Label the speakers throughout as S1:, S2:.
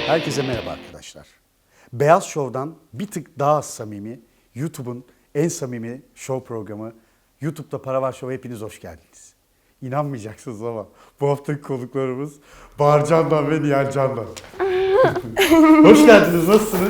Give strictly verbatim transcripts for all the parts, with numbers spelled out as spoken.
S1: Herkese merhaba arkadaşlar. Beyaz Show'dan bir tık daha samimi, YouTube'un en samimi show programı YouTube'da Para Var Show'a hepiniz hoş geldiniz. İnanmayacaksınız ama bu haftaki konuklarımız Bahar Candan ve Nihal Candan. Hoş geldiniz, nasılsınız?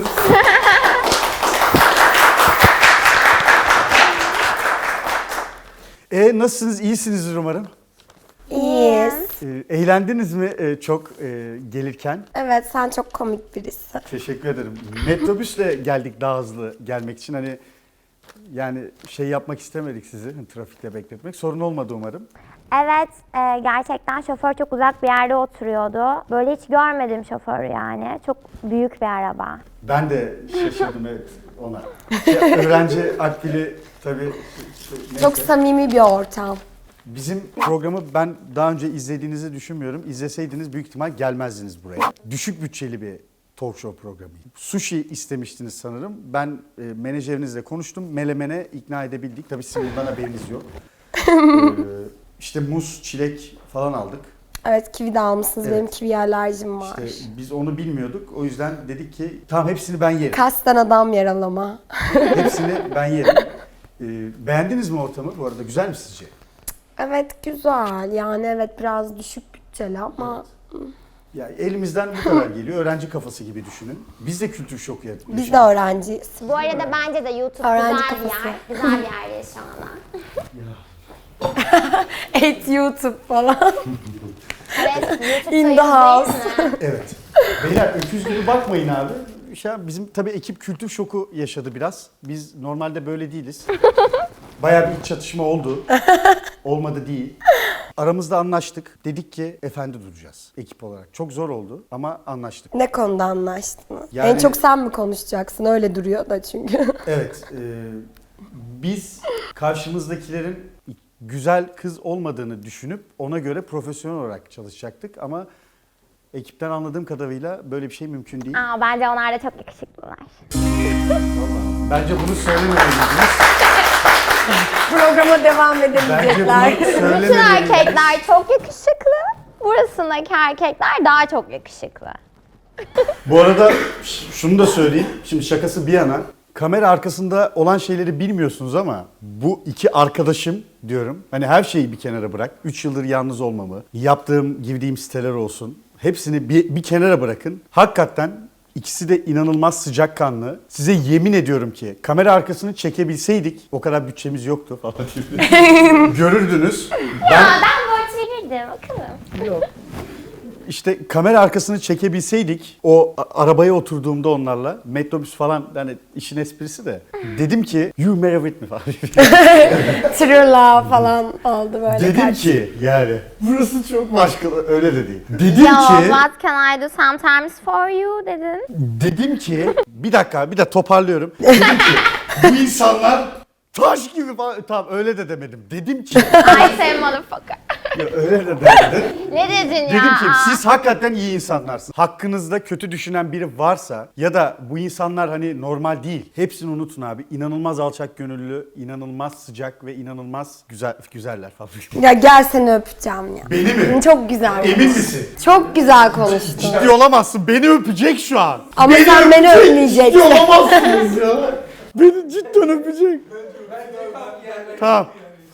S1: E nasılsınız? İyisinizdir umarım.
S2: İyiyiz.
S1: E, eğlendiniz mi e, çok e, gelirken?
S2: Evet, sen çok komik birisin.
S1: Teşekkür ederim. Metrobüsle geldik daha hızlı gelmek için. Hani yani şey yapmak istemedik sizi, hani trafikte bekletmek. Sorun olmadı umarım.
S3: Evet, e, gerçekten şoför çok uzak bir yerde oturuyordu. Böyle hiç görmedim şoförü yani. Çok büyük bir araba.
S1: Ben de şaşırdım evet ona. Şey, öğrenci akbili tabii. Şey, neyse.
S2: Çok samimi bir ortam.
S1: Bizim programı ben daha önce izlediğinizi düşünmüyorum. İzleseydiniz büyük ihtimal gelmezdiniz buraya. Düşük bütçeli bir talk show programı. Sushi istemiştiniz sanırım. Ben e, menajerinizle konuştum. Melemene ikna edebildik. Tabii sizin bundan haberiniz yok. ee, işte muz, çilek falan aldık.
S2: Evet, kivi de almışsınız.
S1: Evet.
S2: Benim kivi alerjim var.
S1: İşte biz onu bilmiyorduk. O yüzden dedik ki tamam hepsini ben yerim.
S2: Kasten adam yaralama.
S1: Hepsini ben yerim. Ee, beğendiniz mi ortamı? Bu arada güzel mi sizce?
S2: Evet, güzel. Yani evet biraz düşük bütçeli ama
S1: Ya elimizden bu kadar geliyor. Öğrenci kafası gibi düşünün. Biz de kültür şoku yapıyoruz.
S2: biz de öğrenciyiz.
S3: Bu arada bence de YouTube
S2: Öğrenci
S3: güzel bir
S2: kafası.
S3: yer. Güzel bir yerdeyiz şu anda.
S2: Et YouTube falan.
S3: Evet, YouTube'da
S2: In the house.
S3: izleyin mi?
S1: Evet. Beyler öküz gibi bakmayın abi. Ya bizim tabii ekip kültür şoku yaşadı biraz. Biz normalde böyle değiliz. Bayağı bir iç çatışma oldu. Olmadı değil. Aramızda anlaştık. Dedik ki efendi duracağız ekip olarak. Çok zor oldu ama anlaştık.
S2: Ne konuda anlaştınız?
S1: Yani-
S2: En çok sen mi konuşacaksın? Öyle duruyor da çünkü.
S1: Evet. E, biz karşımızdakilerin güzel kız olmadığını düşünüp ona göre profesyonel olarak çalışacaktık ama ekipten anladığım kadarıyla böyle bir şey mümkün değil.
S3: Aa, bence onlar da çok yakışıklılar.
S1: Bence bunu söylememeliydiniz.
S2: Programa devam
S1: Bence
S2: edebilecekler.
S1: bunu
S3: Bütün
S1: söylememeliydiniz.
S3: erkekler çok yakışıklı. Burasındaki erkekler daha çok yakışıklı.
S1: Bu arada ş- şunu da söyleyeyim. Şimdi şakası bir yana. Kamera arkasında olan şeyleri bilmiyorsunuz ama bu iki arkadaşım diyorum. Hani her şeyi bir kenara bırak. üç yıldır yalnız olmamı, yaptığım, girdiğim siteler olsun. Hepsini bir, bir kenara bırakın. Hakikaten ikisi de inanılmaz sıcakkanlı. Size yemin ediyorum ki kamera arkasını çekebilseydik, o kadar bütçemiz yoktu falan gibi. Görürdünüz. Ben
S3: Ya ben borç verirdim bakalım.
S1: İşte kamera arkasını çekebilseydik o a- arabaya oturduğumda onlarla metrobüs falan yani işin esprisi de dedim ki you marry with me falan.
S2: Thrilla falan oldu böyle.
S1: Dedim
S2: kaç-
S1: ki yani burası çok başka öyle de değil. Dedim
S3: Ya
S1: ki
S3: what can I do sometimes for you dedin.
S1: dedim ki bir dakika bir de toparlıyorum. Dedim ki bu insanlar taş gibi falan tamam öyle de demedim. Dedim ki
S3: I say motherfucker.
S1: ya öyle de demedim.
S3: Ne dedin ya?
S1: Dedim ki
S3: Aa.
S1: siz hakikaten iyi insanlarsınız. Hakkınızda kötü düşünen biri varsa ya da bu insanlar hani normal değil. Hepsini unutun abi. İnanılmaz alçak gönüllü, inanılmaz sıcak ve inanılmaz güzel güzeller falan.
S2: Ya gel seni öpeceğim ya.
S1: Beni mi?
S2: Çok güzel.
S1: Emin misin?
S2: Çok güzel konuştun.
S1: Ciddi olamazsın. Beni öpecek şu an.
S2: Ama sen beni
S1: öpecek.
S2: öpmeyeceksin.
S1: Ciddi olamazsınız ya. Beni cidden öpecek. Tamam.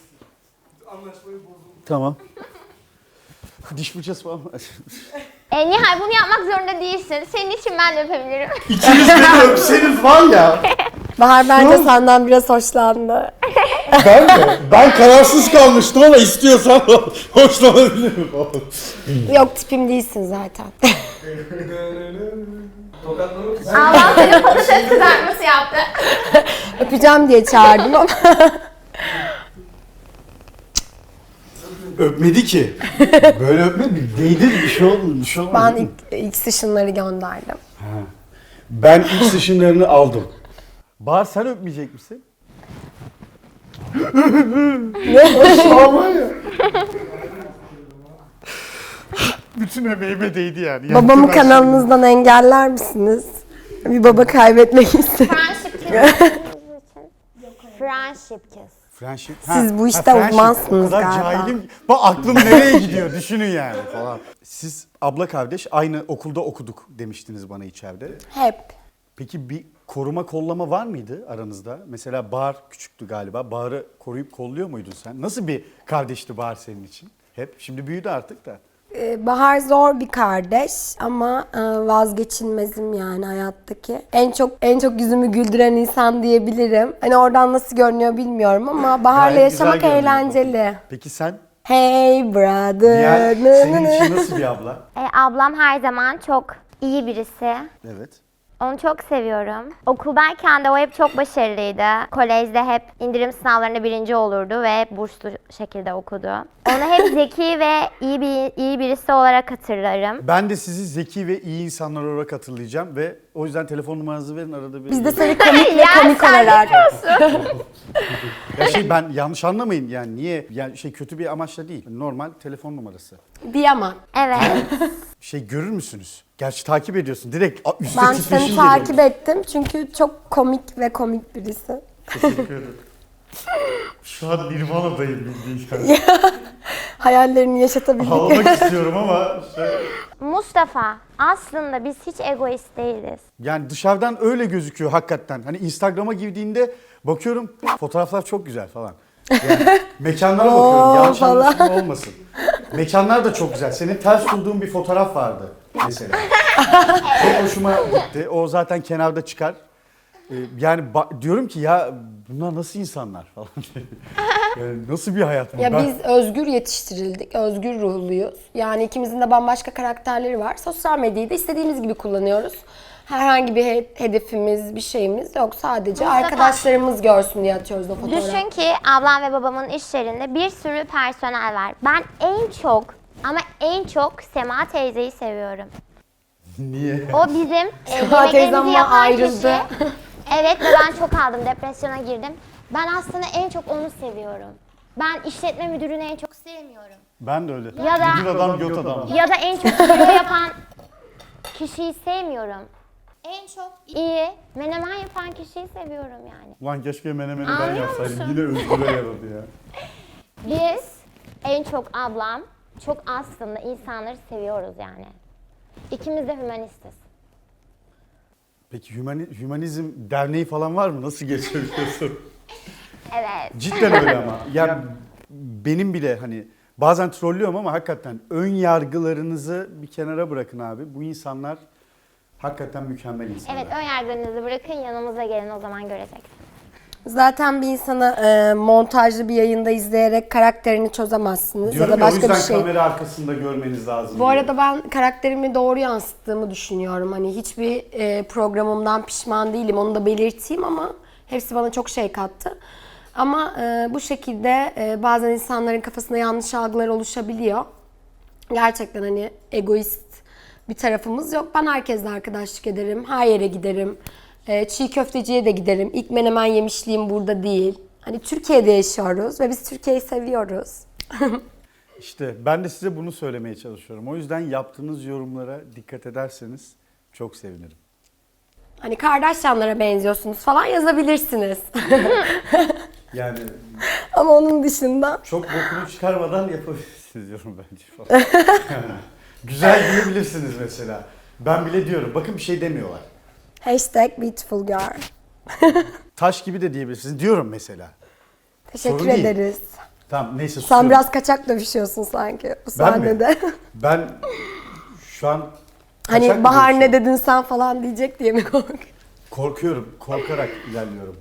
S1: Tamam. Diş fırçası falan.
S3: E, Nihal bunu yapmak zorunda değilsin. Senin için ben de öpebilirim.
S1: İkiniz beni öpseniz var ya.
S2: Bahar bence senden biraz hoşlandı.
S1: Ben de. Ben kararsız kalmıştım ama istiyorsan hoşlanabilirim.
S2: Yok tipim değilsin zaten.
S3: Allah seni patates kızartması yaptı.
S2: Öpeceğim diye çağırdım ama.
S1: Öpmedi ki. Böyle öpmedi. Değdi bir şey olmadı. Bir şey olmadı.
S2: Ben ilk, ilk session'ları gönderdim.
S1: Ben ilk session'larını aldım. Bahar sen öpmeyecek misin? Ne? Bütün emeğime değdi yani.
S2: Babamı
S1: Yaktı ben
S2: kanalınızdan engeller misiniz? Bir baba kaybetmek istedim.
S3: Friendship kiss. Friendship kiss.
S1: Friendship.
S2: Siz bu işte
S1: friendship.
S2: uzmansınız
S1: O kadar
S2: galiba.
S1: cahilim. Bak aklım nereye gidiyor düşünün yani falan. Siz abla kardeş aynı okulda okuduk demiştiniz bana içeride.
S2: Hep.
S1: Peki bir koruma kollama var mıydı aranızda? Mesela Bahar küçüktü galiba. Bahar'ı koruyup kolluyor muydun sen? Nasıl bir kardeşti Bahar senin için? Hep. Şimdi büyüdü artık da.
S2: Ee, Bahar zor bir kardeş ama e, vazgeçilmezim yani hayattaki. En çok en çok yüzümü güldüren insan diyebilirim. Hani oradan nasıl görünüyor bilmiyorum ama Bahar'la
S1: Gayet güzel
S2: yaşamak
S1: görünüyor.
S2: eğlenceli.
S1: Peki sen?
S2: Hey brother.
S1: Diğer,
S2: nı nı
S1: senin
S2: nı.
S1: için nasıl bir abla?
S3: E, ablam her zaman çok iyi birisi.
S1: Evet.
S3: Onu çok seviyorum. Okuldayken de o hep çok başarılıydı. Kolejde hep indirim sınavlarında birinci olurdu ve hep burslu şekilde okudu. Onu hep zeki ve iyi bir iyi birisi olarak hatırlarım.
S1: Ben de sizi zeki ve iyi insanlar olarak hatırlayacağım ve o yüzden telefon numaranızı verin arada bir.
S2: Biz de seni komik ve
S3: Ya
S2: komik
S3: sen
S2: olarak.
S1: Ya şey ben yanlış anlamayın yani niye yani şey kötü bir amaçla değil. Normal telefon numarası.
S2: Diyemem.
S3: Evet.
S1: Şey görür müsünüz? Gerçi takip ediyorsun. Direkt a- üstte
S2: Ben
S1: titreşim
S2: seni
S1: geliyor.
S2: takip ettim çünkü çok komik ve komik birisi.
S1: Teşekkür ederim. Şu an Nirvana'dayım bildiğin kadar.
S2: Hayallerini yaşatabildik.
S1: Ağlamak istiyorum ama işte...
S3: Mustafa, aslında biz hiç egoist değiliz.
S1: Yani dışarıdan öyle gözüküyor hakikaten. Hani Instagram'a girdiğinde bakıyorum fotoğraflar çok güzel falan. Yani mekanlara bakıyorum yanlış
S2: falan.
S1: anlaşılma olmasın. Mekanlar da çok güzel. Senin ters bulduğun bir fotoğraf vardı mesela. Çok hoşuma gitti. O zaten kenarda çıkar. Ee, yani ba- diyorum ki ya bunlar nasıl insanlar falan. Yani nasıl bir hayat bu?
S2: Ya
S1: Ben-
S2: biz özgür yetiştirildik, özgür ruhluyuz. Yani ikimizin de bambaşka karakterleri var. Sosyal medyayı da istediğimiz gibi kullanıyoruz. Herhangi bir he- hedefimiz, bir şeyimiz yok. Sadece
S3: Mustafa.
S2: arkadaşlarımız görsün diye atıyoruz o fotoğrafı.
S3: Düşün ki ablam ve babamın iş yerinde bir sürü personel var. Ben en çok ama en çok Sema teyzeyi seviyorum.
S1: Niye?
S3: O bizim e,
S2: Sema teyzem
S3: yemeklerimizi
S2: bana
S3: yapan
S2: ayrıldı.
S3: kişi. Evet ve ben çok aldım, depresyona girdim. Ben aslında en çok onu seviyorum. Ben işletme müdürünü en çok sevmiyorum.
S1: Ben de öyle.
S3: Ya da-
S1: Müdür adam, göt adam.
S3: Ya da en çok kilo yapan kişiyi sevmiyorum. En çok iyi menemen yapan kişiyi seviyorum yani.
S1: Ulan keşke menemeni ben
S3: Anlıyor
S1: yapsaydım.
S3: musun?
S1: Yine özgüre yaradı ya.
S3: Biz en çok ablam, çok aslında insanları seviyoruz yani. İkimiz de hümanistiz.
S1: Peki hümani- hümanizm derneği falan var mı? Nasıl geçiriyorsun?
S3: Evet.
S1: Cidden öyle ama. Yani benim bile hani bazen trollüyorum ama hakikaten ön yargılarınızı bir kenara bırakın abi. Bu insanlar hakikaten mükemmel insanlar.
S3: Evet, ön yargılarınızı bırakın, yanımıza gelin, o zaman göreceksiniz.
S2: Zaten bir insana e, montajlı bir yayında izleyerek karakterini çözemezsiniz.
S1: Diyorum
S2: ya da
S1: ya, o
S2: başka bir
S1: yüzden
S2: şey.
S1: kamera arkasında görmeniz lazım.
S2: Bu
S1: diye.
S2: arada ben karakterimi doğru yansıttığımı düşünüyorum. Hani hiçbir e, programımdan pişman değilim. Onu da belirteyim ama hepsi bana çok şey kattı. Ama e, bu şekilde e, bazen insanların kafasında yanlış algılar oluşabiliyor. Gerçekten hani egoist bir tarafımız yok. Ben herkesle arkadaşlık ederim. Her yere giderim. E, çiğ köfteciye de giderim. İlk menemen yemişliğim burada değil. Hani Türkiye'de yaşıyoruz ve biz Türkiye'yi seviyoruz.
S1: İşte ben de size bunu söylemeye çalışıyorum. O yüzden yaptığınız yorumlara dikkat ederseniz çok sevinirim.
S2: Hani Kardashianlara benziyorsunuz falan yazabilirsiniz.
S1: Yani
S2: Ama onun dışında
S1: çok bokunu çıkarmadan yapabilirsiniz yorum bence falan. Yani güzel diyebilirsiniz mesela. Ben bile diyorum. Bakın bir şey demiyorlar.
S2: hashtag beautiful girl.
S1: Taş gibi de diyebilirsiniz. Diyorum mesela.
S2: Teşekkür
S1: Sorun değil.
S2: ederiz.
S1: Tamam neyse
S2: Sen
S1: susuyorum.
S2: biraz kaçak dövüşüyorsun sanki bu
S1: Ben mi?
S2: sahnede.
S1: Ben şu an kaçak
S2: Hani
S1: mı
S2: Bahar ne
S1: dövüşüyorum?
S2: dedin sen falan diyecek diye mi korkuyorsun?
S1: Korkuyorum. Korkarak ilerliyorum.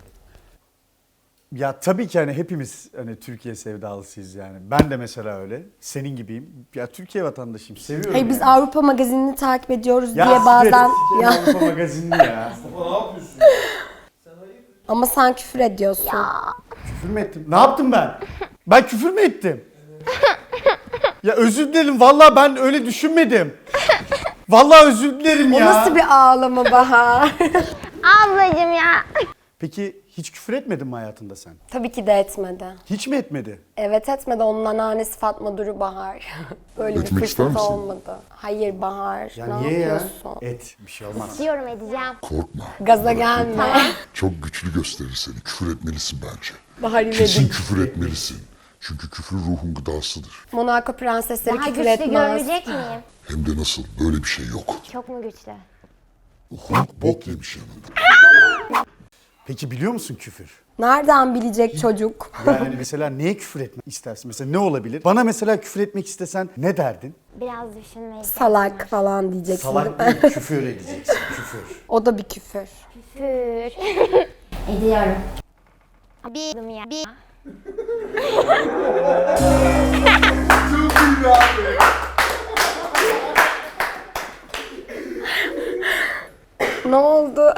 S1: Ya tabii ki hani hepimiz hani Türkiye sevdalısıyız yani. Ben de mesela öyle. Senin gibiyim. Ya Türkiye vatandaşıyım. Seviyorum
S2: Hayır biz
S1: yani.
S2: Avrupa magazinini takip ediyoruz
S1: Ya
S2: diye
S1: siktir
S2: bazen...
S1: et, siktir
S2: Ya,
S1: Avrupa magazinini ya.
S4: Ne yapıyorsun?
S2: ama sen küfür ediyorsun.
S1: Küfür mü ettim? Ne yaptım ben? Ben küfür mü ettim? Ya özür dilerim. Vallahi ben öyle düşünmedim. Vallahi özür dilerim
S2: O
S1: ya.
S2: nasıl bir ağlama Bahar?
S3: Ablacım ya.
S1: Peki Hiç küfür etmedin mi hayatında sen?
S2: Tabii ki de etmedi.
S1: Hiç mi etmedi?
S2: Evet etmedi. Onun anneannesi Fatma Duru Bahar. Böyle bir
S4: Etmek ister
S2: fırsat
S4: misin?
S2: olmadı. Hayır Bahar.
S1: Ya
S2: ne
S1: niye ya?
S2: yapıyorsun?
S1: Et. Bir şey olmaz.
S3: Diyorum edeceğim.
S4: Korkma.
S2: Gaza gelme.
S4: Çok güçlü gösterir seni. Küfür etmelisin bence.
S2: Bahar
S4: Kesin
S2: İvedik.
S4: küfür etmelisin. Çünkü küfür ruhun gıdasıdır.
S2: Monaco prensesleri
S3: Daha
S2: küfür
S3: güçlü
S2: etmez.
S3: görünecek miyim?
S4: Hem de nasıl? Böyle bir şey yok.
S3: Çok mu güçlü?
S4: Hulk bok yemiş yanında.
S1: Peki biliyor musun küfür?
S2: Nereden bilecek çocuk?
S1: Yani mesela neye küfür etmek istersin? Mesela ne olabilir? Bana mesela küfür etmek istesen ne derdin?
S3: Biraz düşünmeyi.
S2: Salak falan diyeceksin değil
S1: Salak
S2: mi?
S1: değil, küfür edeceksin. Küfür.
S2: O da bir küfür.
S3: Küfür. Ediyorum. Bir ya. Bir.
S2: Ne oldu?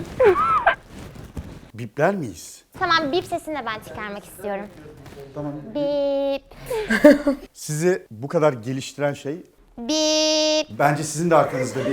S1: Bipler miyiz?
S3: Tamam bip sesini de ben çıkarmak istiyorum.
S1: Tamam.
S3: Bip.
S1: Sizi bu kadar geliştiren şey
S3: Bip.
S1: bence sizin de arkanızda bir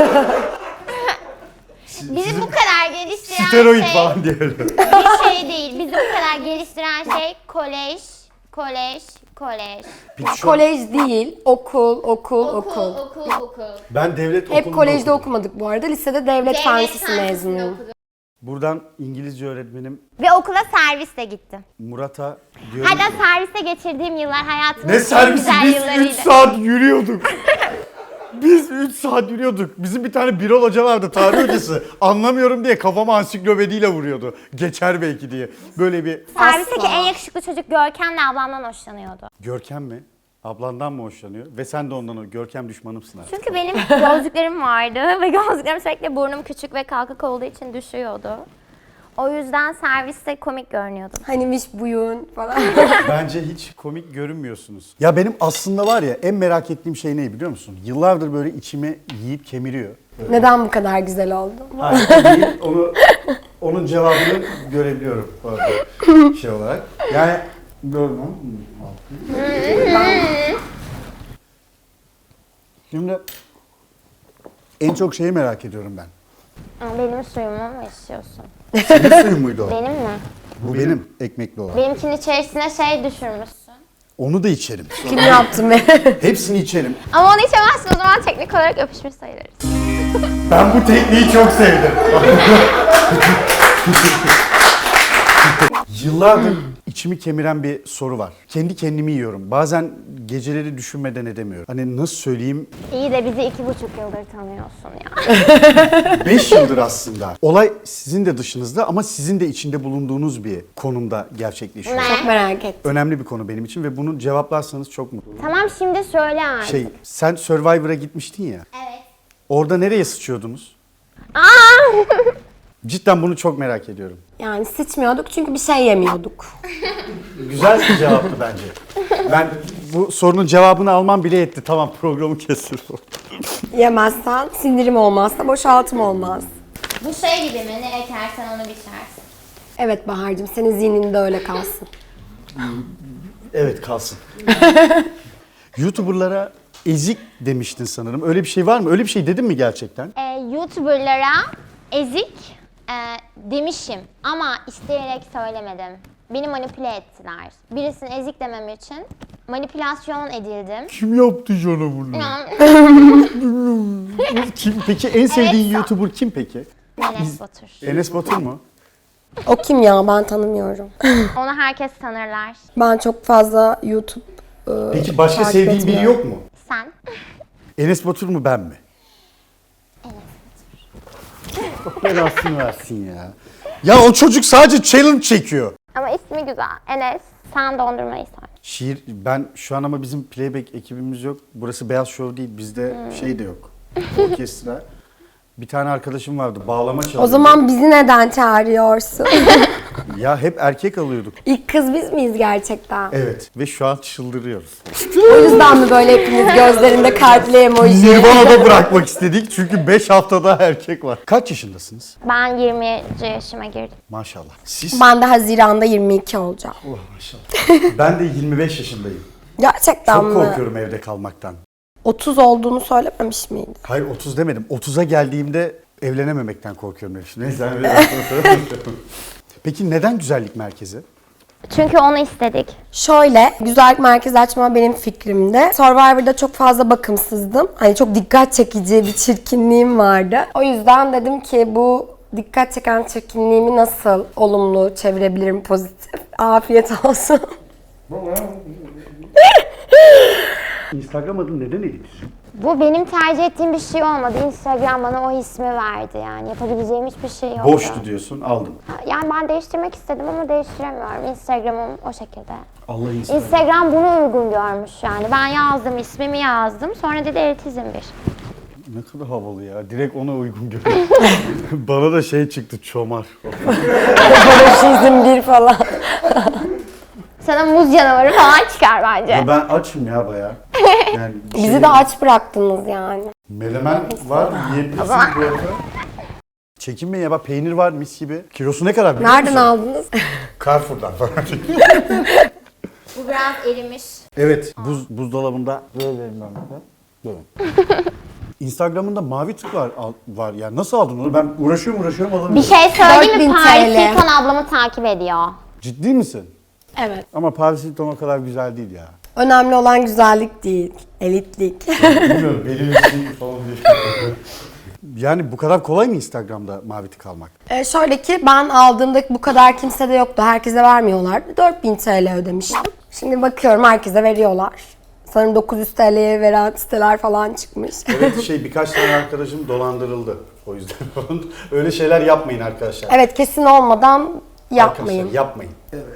S3: Bizi bu kadar geliştiren
S1: steroid
S3: şey
S1: falan diyelim.
S3: bir şey değil. Bizi bu kadar geliştiren şey kolej, kolej, kolej.
S1: Peki şu an
S2: Kolej değil, okul, okul, okul.
S3: okul, okul.
S1: ben devlet
S2: Hep
S1: okulunda
S2: kolejde
S1: okudum.
S2: okumadık bu arada. Lisede devlet fen lisesi mezunuyum.
S1: Buradan İngilizce öğretmenim
S3: Ve okula servisle gittim.
S1: Murat'a diyorum
S3: Hatta
S1: ki,
S3: serviste geçirdiğim yıllar hayatımın
S1: ne
S3: en
S1: servisi
S3: güzel
S1: biz
S3: yıllarıydı.
S1: üç saat yürüyorduk. Biz üç saat yürüyorduk. Bizim bir tane Birol Hoca vardı, tarih hocası. Anlamıyorum diye kafama ansiklopediyle vuruyordu. Geçer belki diye. Böyle bir
S3: Servisteki
S2: Asla.
S3: en yakışıklı çocuk Görkem'le ablamdan hoşlanıyordu.
S1: Görkem mi? Ablandan mı hoşlanıyor? Ve sen de ondan Görkem düşmanımsın artık.
S3: Çünkü benim gözlüklerim vardı ve gözlüklerim sürekli burnum küçük ve kalkık olduğu için düşüyordu. O yüzden serviste komik görünüyordum.
S2: Hanimiş buyun falan.
S1: Bence hiç komik görünmüyorsunuz. Ya benim aslında var ya en merak ettiğim şey ne biliyor musun? Yıllardır böyle içimi yiyip kemiriyor.
S2: Neden bu kadar güzel oldu?
S1: Hayır, değil, onu onun cevabını görebiliyorum bu arada şey olarak. Yani böyle Şimdi en çok şeyi merak ediyorum ben.
S3: Aa, benim suyumu mu istiyorsun?
S1: Senin suyun muydu o?
S3: Benim mi?
S1: Bu benim ekmekli olan.
S3: Benimkinin içerisine şey düşürmüşsün.
S1: Onu da içerim.
S2: Kim yaptı be?
S1: Hepsini içerim.
S3: Ama onu içemezsin, o zaman teknik olarak öpüşmüş sayılırız.
S1: Ben bu tekniği çok sevdim. Yıllardır içimi kemiren bir soru var. Kendi kendimi yiyorum. Bazen geceleri düşünmeden edemiyorum. Hani nasıl söyleyeyim?
S3: İyi de bizi iki buçuk yıldır tanıyorsun ya.
S1: Beş yıldır aslında. Olay sizin de dışınızda ama sizin de içinde bulunduğunuz bir konumda gerçekleşiyor.
S3: Ne?
S2: Çok merak ettim.
S1: Önemli bir konu benim için ve bunu cevaplarsanız çok mutlu olurum.
S3: Tamam şimdi söyle artık.
S1: Şey, sen Survivor'a gitmiştin ya.
S3: Evet.
S1: Orada nereye sıçıyordunuz?
S3: Aa!
S1: Cidden bunu çok merak ediyorum.
S2: Yani sıçmıyorduk çünkü bir şey yemiyorduk.
S1: Güzel bir cevaptı bence. Ben bu sorunun cevabını almam bile yetti. Tamam, programı kesiyorum.
S2: Yemezsen sindirim olmazsa boşaltım olmaz.
S3: Bu şey gibi mi? Ne ekersen onu biçersin.
S2: Evet Bahar'cığım senin zihninde öyle kalsın.
S1: Evet, kalsın. YouTuber'lara ezik demiştin sanırım. Öyle bir şey var mı? Öyle bir şey dedin mi gerçekten?
S3: Ee, YouTuber'lara ezik e, demişim ama isteyerek söylemedim. Beni manipüle ettiler. Birisini ezik demem için manipülasyon edildim.
S1: Kim yaptı sana bunu?
S3: Ya,
S1: Kim peki? En sevdiğin
S3: Evet,
S1: YouTuber kim peki?
S3: Enes Batur.
S1: Enes Batur mu?
S2: O kim ya ben tanımıyorum.
S3: Onu herkes tanırlar.
S2: Ben çok fazla YouTube e,
S1: Peki başka
S2: takip
S1: sevdiğin biri
S2: etmiyorum.
S1: yok mu?
S3: Sen?
S1: Enes Batur mu, ben mi? Allah belasını versin ya. Ya o çocuk sadece challenge çekiyor.
S3: Ama ismi güzel. Enes. Sen dondurmayı sor.
S1: Şiir, ben şu an ama bizim playback ekibimiz yok. Burası Beyaz Show değil, bizde şey de yok. Orkestra. Bir tane arkadaşım vardı, bağlama çalıyordu.
S2: O zaman bizi neden çağırıyorsun?
S1: Ya hep erkek alıyorduk.
S2: İlk kız biz miyiz gerçekten?
S1: Evet ve şu an çıldırıyoruz.
S2: O yüzden mi böyle hepimiz gözlerinde kalpli emoji?
S1: Nirvana'da bırakmak istedik çünkü beş haftada erkek var. Kaç yaşındasınız?
S3: Ben yirminci yaşıma girdim.
S1: Maşallah. Siz?
S2: Ben de Haziran'da yirmi iki olacağım.
S1: Oh, maşallah. Ben de yirmi beş yaşındayım.
S2: Gerçekten
S1: Çok
S2: mi?
S1: korkuyorum evde kalmaktan.
S2: otuz olduğunu söylememiş miydi?
S1: Hayır, otuz demedim. otuza geldiğimde evlenememekten korkuyorum. Neyse. Peki neden güzellik merkezi?
S3: Çünkü onu istedik.
S2: Şöyle, güzellik merkezi açma benim fikrimdi. Survivor'da çok fazla bakımsızdım. Hani çok dikkat çekici bir çirkinliğim vardı. O yüzden dedim ki bu dikkat çeken çirkinliğimi nasıl olumlu çevirebilirim, pozitif. Afiyet olsun.
S1: Instagram adın neden Elif?
S3: Bu benim tercih ettiğim bir şey olmadı. Instagram bana o ismi verdi yani. Yapabileceğim hiçbir şey yoktu.
S1: Boştu diyorsun, aldım.
S3: Yani ben değiştirmek istedim ama değiştiremiyorum. Instagram'ım o şekilde.
S1: Allah Instagram.
S3: Instagram bunu uygun görmüş yani. Ben yazdım, ismimi yazdım. Sonra dedi elitizm bir.
S1: Ne kadar havalı ya. Direkt ona uygun görüyor. Bana da şey çıktı, çomar.
S2: Barışizm bir falan.
S3: Sana muz canavarı falan çıkar bence.
S1: Ya ben açım ya bayağı. Yani
S2: Bizi
S1: şey-
S2: de aç bıraktınız yani.
S1: Menemen var, yiyebilirsin bu arada. Çekinmeyin ya bak, peynir var mis gibi. Kilosu ne kadar biliyor
S2: Nereden
S1: musun?
S2: aldınız?
S1: Carrefour'dan falan.
S3: Bu biraz erimiş.
S1: Evet, buz buzdolabında böyle elimden böyle. Instagram'ında mavi tık var, al- var ya. Nasıl aldın onu? Ben uğraşıyorum uğraşıyorum
S3: Bir
S1: alamıyorum.
S3: şey söyleyeyim
S2: dört bin
S3: mi? Paris
S2: T L.
S3: Hilton ablamı takip ediyor.
S1: Ciddi misin?
S2: Evet.
S1: Ama Paris Hilton o kadar güzel değil ya.
S2: Önemli olan güzellik değil, elitlik.
S1: Bilmiyorum, belirli bir şey falan diye. Yani bu kadar kolay mı Instagram'da mavi tık almak?
S2: Ee, şöyle ki ben aldığımda bu kadar kimsede yoktu. Herkese vermiyorlardı. dört bin T L ödemiştim. Şimdi bakıyorum herkese veriyorlar. Sanırım dokuz yüz T L'ye veren siteler falan çıkmış.
S1: Evet, şey birkaç tane arkadaşım dolandırıldı. O yüzden öyle şeyler yapmayın arkadaşlar.
S2: Evet, kesin olmadan yapmayın.
S1: Arkadaşlar yapmayın.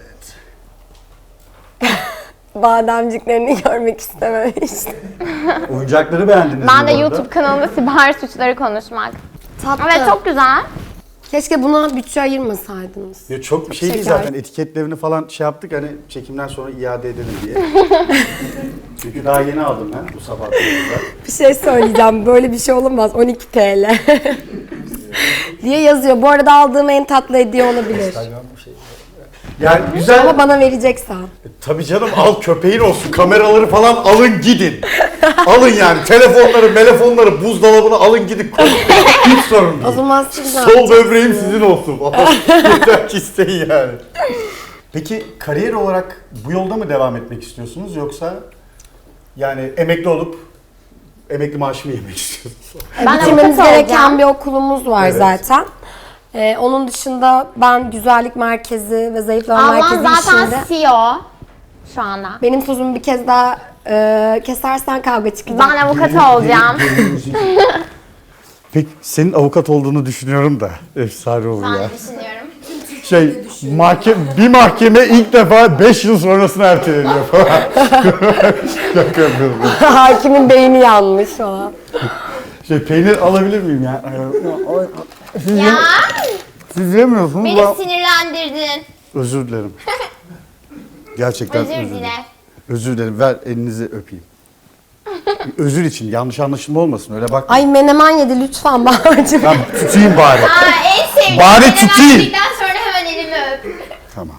S2: Bademciklerini görmek istememiştim.
S1: Oyuncakları beğendiniz
S3: Ben
S1: mi
S3: de
S1: bu arada?
S3: YouTube kanalında siber suçları konuşmak.
S2: Tatlı.
S3: Evet çok güzel.
S2: Keşke buna bütçe ayırmasaydınız.
S1: Ya çok bir şey değil
S2: Şeker.
S1: zaten, etiketlerini falan şey yaptık hani çekimden sonra iade edelim diye. Çünkü daha yeni aldım ben bu sabah.
S2: Bir şey söyleyeceğim. Böyle bir şey olamaz. on iki T L. diye yazıyor. Bu arada aldığım en tatlı hediye olabilir.
S1: Yani güzel.
S2: Ama bana vereceksen.
S1: Tabii canım, al köpeğin olsun, kameraları falan alın gidin. Alın yani telefonları, telefonları, buzdolabını alın gidin. Hiç sorun
S2: O
S1: değil.
S2: zaman siz ne
S1: Sol
S2: yapacaksınız?
S1: böbreğim sizin olsun. Yeter ki isteyin yani. Peki kariyer olarak bu yolda mı devam etmek istiyorsunuz yoksa yani emekli olup emekli maaşı mı yemek istiyorsunuz?
S3: Ben
S2: Bitirmemiz
S3: avukat
S2: gereken
S3: olacağım.
S2: bir okulumuz var
S1: Evet.
S2: zaten. Ee, onun dışında ben güzellik merkezi ve zayıflama
S3: Ablam
S2: merkezi
S3: zaten
S2: işinde
S3: C E O şu anda.
S2: benim sözümü bir kez daha e, kesersen kavga çıkacak.
S3: Ben avukat olacağım.
S1: Peki senin avukat olduğunu düşünüyorum da efsane olur
S3: Ben
S1: ya.
S3: de düşünüyorum.
S1: Şey mahkeme, bir mahkeme ilk defa beş yıl sonrasına erteleniyor falan. Şaka yapıyorum.
S2: Hakimin beyni yanmış falan.
S1: Şey peynir alabilir miyim ya? Siz,
S3: Ya
S1: yem- siz yemiyorsunuz.
S3: beni
S1: ben-
S3: sinirlendirdin.
S1: Özür dilerim. Gerçekten
S3: Özür
S1: özür
S3: dile.
S1: dilerim. Özür dilerim. Ver elinizi öpeyim. Özür için yanlış anlaşılma olmasın öyle bak.
S2: Ay menemen yedi lütfen Bahar'cığım.
S1: Ben tutayım bari.
S3: Aa, en sevdiğim.
S1: Bari
S3: Menemen
S1: tutayım.
S3: yedikten sonra hemen elimi öp.
S1: Tamam.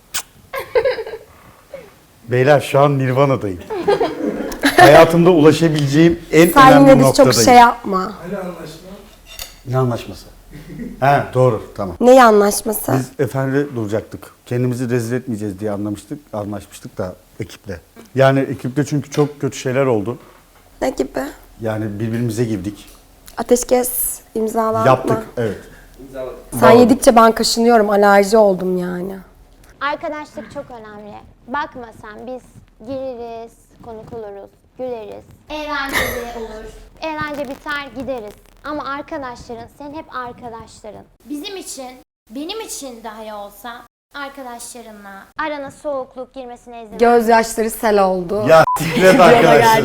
S1: Beyler şu an Nirvana'dayım. Hayatımda ulaşabileceğim en
S2: Sen
S1: önemli
S2: yine biz
S1: noktadayım.
S2: çok şey yapma.
S1: Ne anlaşması? He doğru tamam.
S2: Ne anlaşması?
S1: Biz efendi duracaktık. Kendimizi rezil etmeyeceğiz diye anlamıştık, anlaşmıştık da ekiple. Yani ekipte çünkü çok kötü şeyler oldu.
S2: Ne gibi?
S1: Yani birbirimize girdik.
S2: Ateşkes imzalatma.
S1: Yaptık evet.
S2: Sen yedikçe ben kaşınıyorum. Alerji oldum yani.
S3: Arkadaşlık çok önemli. Bakma sen biz gireriz, konuk oluruz, güleriz. Eğlenceli olur. Eğlence biter gideriz. Ama arkadaşların senin hep arkadaşların. Bizim için, benim için dahi olsa arkadaşlarınla arana soğukluk girmesine izin ver.
S2: Gözyaşları sel oldu.
S1: Ya siklet arkadaşlar.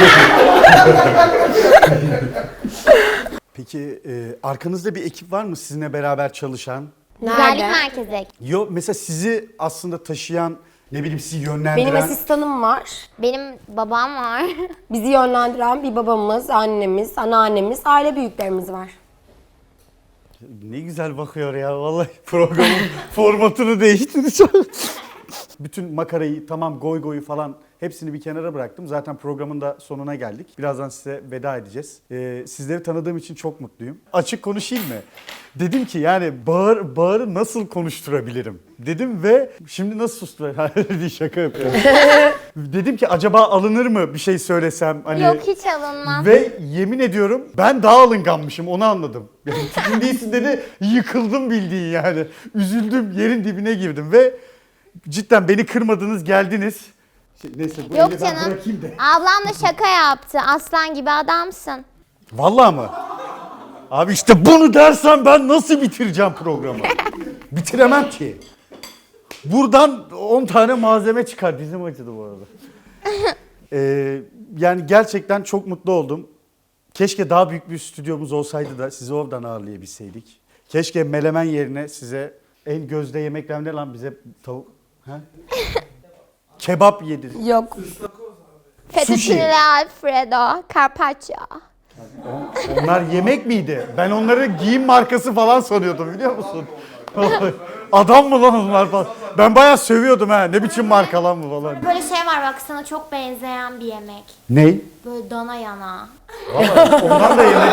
S1: Peki e, arkanızda bir ekip var mı sizinle beraber çalışan?
S3: Güzellik
S2: Nerede?
S3: merkezi.
S1: Yo mesela sizi aslında taşıyan, ne bileyim sizi
S2: Benim
S1: yönlendiren.
S2: asistanım var.
S3: Benim babam var.
S2: Bizi yönlendiren bir babamız, annemiz, anneannemiz, aile büyüklerimiz var.
S1: Ne güzel bakıyor ya vallahi programın formatını değiştireceğim. Bütün makarayı tamam goy goyu falan Hepsini bir kenara bıraktım. Zaten programın da sonuna geldik. Birazdan size veda edeceğiz. Ee, sizleri tanıdığım için çok mutluyum. Açık konuşayım mı? Dedim ki yani Bağır, Bağır'ı nasıl konuşturabilirim? Dedim ve şimdi nasıl susturabilirim? Şaka yapıyorum. Dedim ki acaba alınır mı bir şey söylesem? Hani...
S3: Yok hiç alınmaz.
S1: Ve yemin ediyorum ben daha alınganmışım, onu anladım. Yani tipin değilsin dedi, yıkıldım bildiğin yani. Üzüldüm, yerin dibine girdim ve cidden beni kırmadınız, geldiniz. Şey, neyse bu
S3: Yok
S1: eli ben
S3: canım.
S1: bırakayım da.
S3: Ablam da şaka yaptı. Aslan gibi adamsın.
S1: Vallahi mı? Abi işte bunu dersen ben nasıl bitireceğim programı? Bitiremem ki. Buradan on tane malzeme çıkar. Dizim acıdı bu arada. Ee, yani gerçekten çok mutlu oldum. Keşke daha büyük bir stüdyomuz olsaydı da sizi oradan ağırlayabilseydik. Keşke melemen yerine size en gözde yemekler ne lan bize tavuk... Ha? Kebap yedir.
S2: Yok.
S3: Fettuccine Alfredo, Carpaccio.
S1: Onlar yemek miydi? Ben onları giyim markası falan sanıyordum biliyor musun? Adam mı lan onlar falan? Ben bayağı sövüyordum ha. Ne biçim marka lan bu falan.
S3: Böyle şey var bak sana çok benzeyen bir yemek.
S1: Ney?
S3: Böyle dana yana.
S1: Ondan da yemek.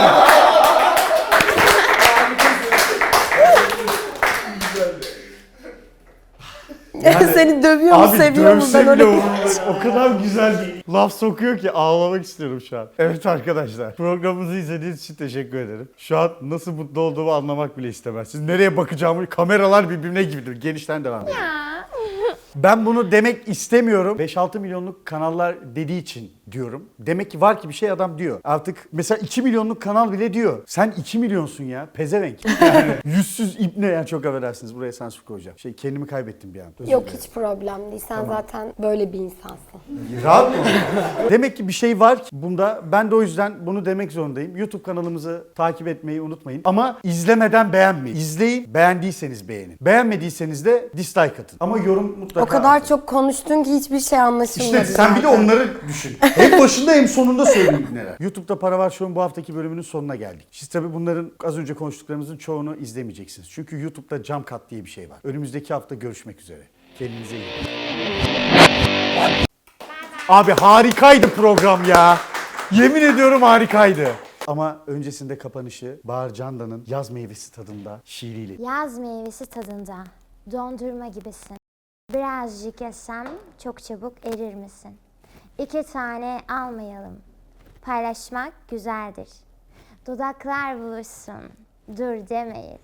S2: Seni dövüyor mu,
S1: Abi
S2: seviyor mu?
S1: dövse
S2: Ben
S1: bile
S2: öyle...
S1: umurumda. O kadar güzel bir laf sokuyor ki ağlamak istiyorum şu an. Evet arkadaşlar, programımızı izlediğiniz için teşekkür ederim. Şu an nasıl mutlu olduğumu anlamak bile istemezsiniz. Nereye bakacağımı, kameralar birbirine gibidir. Genişten devam edelim. Ben bunu demek istemiyorum. beş altı milyonluk kanallar dediği için diyorum. Demek ki var ki bir şey adam diyor. Artık mesela iki milyonluk kanal bile diyor. Sen iki milyonsun ya. Pezevenk. Yani yüzsüz ibne yani, çok affedersiniz. Buraya sansür koyacağım. Şey kendimi kaybettim bir an. Özür
S2: Yok
S1: dilerim.
S2: hiç problem değil. Sen zaten böyle bir insansın.
S1: Rahat mı? Demek ki bir şey var ki bunda. Ben de o yüzden bunu demek zorundayım. YouTube kanalımızı takip etmeyi unutmayın. Ama izlemeden beğenmeyin. İzleyin. Beğendiyseniz beğenin. Beğenmediyseniz de dislike atın. Ama yorum mutlaka
S2: O kadar
S1: atın.
S2: çok konuştun ki hiçbir şey anlaşılmadı.
S1: İşte sen bir de
S2: zaten.
S1: onları düşün. Hem başında hem sonunda söyleyeyim neler. YouTube'da Para Var Show'un bu haftaki bölümünün sonuna geldik. Siz tabii bunların az önce konuştuklarımızın çoğunu izlemeyeceksiniz. Çünkü YouTube'da jump cut diye bir şey var. Önümüzdeki hafta görüşmek üzere. Kendinize iyi bakın. Abi harikaydı program ya. Yemin ediyorum harikaydı. Ama öncesinde kapanışı Bahar Candan'ın Yaz Meyvesi tadında şiiriyle.
S3: Yaz meyvesi tadında. Dondurma gibisin. Birazcık yesem çok çabuk erir misin? İki tane almayalım. Paylaşmak güzeldir. Dudaklar buluşsun. Dur demeyin.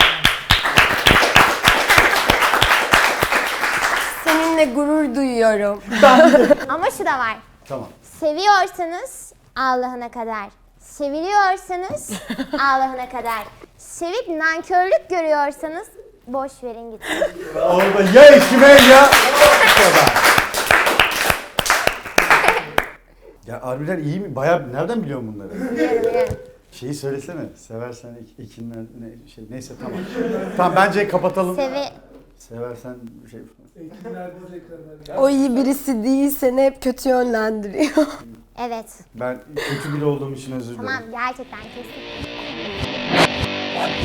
S2: Seninle gurur duyuyorum.
S3: Ama şu da var.
S1: Tamam.
S3: Seviyorsanız Allah'ına kadar. Seviliyorsanız Allah'ına kadar. Sevip nankörlük görüyorsanız boş verin gitsin.
S1: Orada ya ekime ya... Ya harbiden iyi mi? Bayağı nereden biliyorsun bunları?
S3: Biliyorum biliyorum.
S1: Şeyi söylesene. Seversen ek, ekinler ne şey neyse tamam. Tamam bence kapatalım.
S3: Sevi...
S1: Seversen şey
S2: O iyi birisi değil, seni hep kötü yönlendiriyor.
S3: Evet.
S1: ben kötü biri olduğum için özür dilerim.
S3: Tamam gerçekten kesin.